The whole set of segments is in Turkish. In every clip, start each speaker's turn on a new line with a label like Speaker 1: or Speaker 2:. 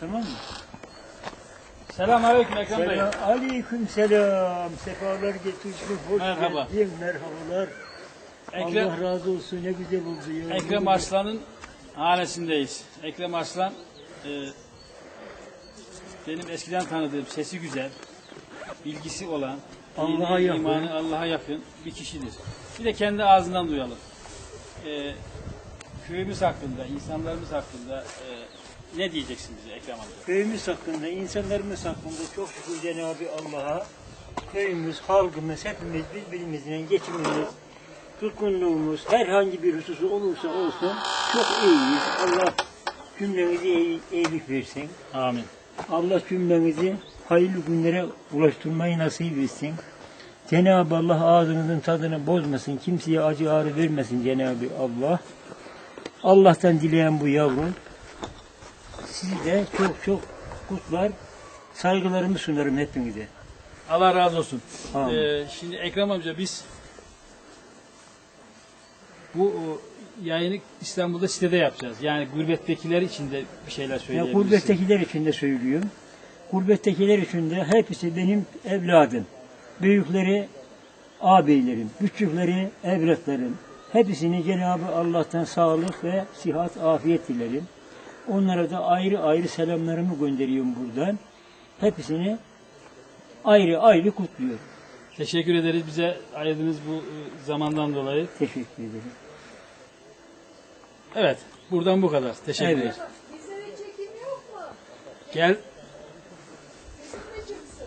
Speaker 1: Tamam mı?
Speaker 2: Selamünaleyküm Ekrem Bey.
Speaker 1: Aleyküm selam. Sefalar getirdin. Hoş
Speaker 2: Merhaba.
Speaker 1: geldin. Merhabalar. Allah razı olsun. Ne güzel oldu ya.
Speaker 2: Ekrem Arslan'ın hanesindeyiz. Ekrem Arslan benim eskiden tanıdığım, sesi güzel, bilgisi olan,
Speaker 1: Allah'a yakın.
Speaker 2: imanı Allah'a yakın bir kişidir. Bir de kendi ağzından duyalım. Köyümüz hakkında, insanlarımız hakkında ne diyeceksin bize Ekrem amca?
Speaker 1: Köyümüz hakkında, insanlarımız hakkında çok şükür Cenab-ı Allah'a köyümüz, halkımız, hepimiz birbirimizle geçimimiz, tutkunluğumuz, herhangi bir hususu olursa olsun çok iyiyiz. Allah cümlemizi iyilik versin.
Speaker 2: Amin.
Speaker 1: Allah cümlemizi hayırlı günlere ulaştırmayı nasip etsin. Cenab-ı Allah ağzınızın tadını bozmasın, kimseye acı ağrı vermesin Cenab-ı Allah. Allah'tan dileyen bu yavrum. Sizi de çok çok kutlar, saygılarımı sunarım hepinize.
Speaker 2: Allah razı olsun.
Speaker 1: Şimdi
Speaker 2: Ekrem amca biz bu yayını İstanbul'da sitede yapacağız. Yani gurbettekiler için de bir şeyler söyleyebilirsin.
Speaker 1: gurbettekiler için de söylüyorum. Gurbettekiler için de hepsi benim evladım. Büyükleri ağabeylerim, küçükleri evlatlarım. Hepsini Cenab-ı Allah'tan sağlık ve sıhhat, afiyet dilerim. Onlara da ayrı ayrı selamlarımı gönderiyorum buradan. Hepsini ayrı ayrı kutluyorum.
Speaker 2: Teşekkür ederiz bize ayırdığınız bu zamandan dolayı.
Speaker 1: Teşekkür ederim.
Speaker 2: Evet, buradan bu kadar. Teşekkür ederiz.
Speaker 3: Bizlere çekim yok mu?
Speaker 2: Gel.
Speaker 3: Bizimle çıksın.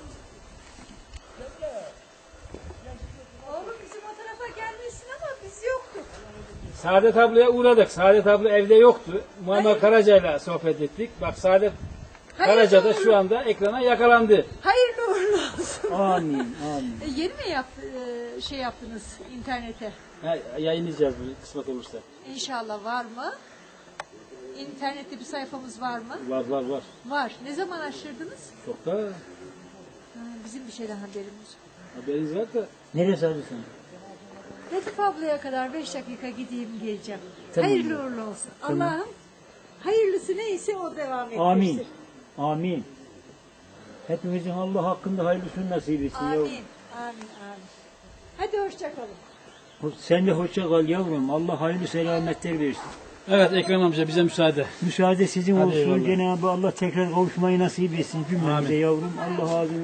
Speaker 3: Oğlum bizim o tarafa gelmesin ama biz yoktuk.
Speaker 2: Saadet ablaya uğradık. Saadet abla evde yoktu. Muammer Karaca'yla sohbet ettik. Bak Saadet Karaca da şu anda ekrana yakalandı.
Speaker 3: Hayırlı uğurlu olsun.
Speaker 1: Amin, amin.
Speaker 3: Yeni mi şey yaptınız internete?
Speaker 2: Ha, yayınlayacağız bu kısmet olursa.
Speaker 3: İnşallah var mı? İnternette bir sayfamız var mı?
Speaker 2: Var.
Speaker 3: Var. Ne zaman açtırdınız?
Speaker 2: Çok da
Speaker 3: Bizim bir şeyden haberimiz yok.
Speaker 2: haberiniz var da.
Speaker 1: Neresi arıyorsun?
Speaker 3: Latif ablaya kadar 5 dakika gideyim geleceğim.
Speaker 1: Tamam.
Speaker 3: Hayırlı uğurlu olsun. Allah'ım hayırlısı neyse o devam ettirsin.
Speaker 1: Amin. Amin. Hepimizin Allah hakkında hayırlısını nasip etsin
Speaker 3: Amin.
Speaker 1: yavrum.
Speaker 3: Amin. Hadi hoşça kalın.
Speaker 1: Sen de hoşça kal yavrum. Allah hayırlı selametler versin.
Speaker 2: Evet Ekrem amca bize müsaade.
Speaker 1: Müsaade sizin
Speaker 2: Hadi
Speaker 1: olsun.
Speaker 2: eyvallah.
Speaker 1: Cenab-ı Allah tekrar kavuşmayı nasip etsin cümlemize
Speaker 2: Amin.
Speaker 1: yavrum. Allah ağzını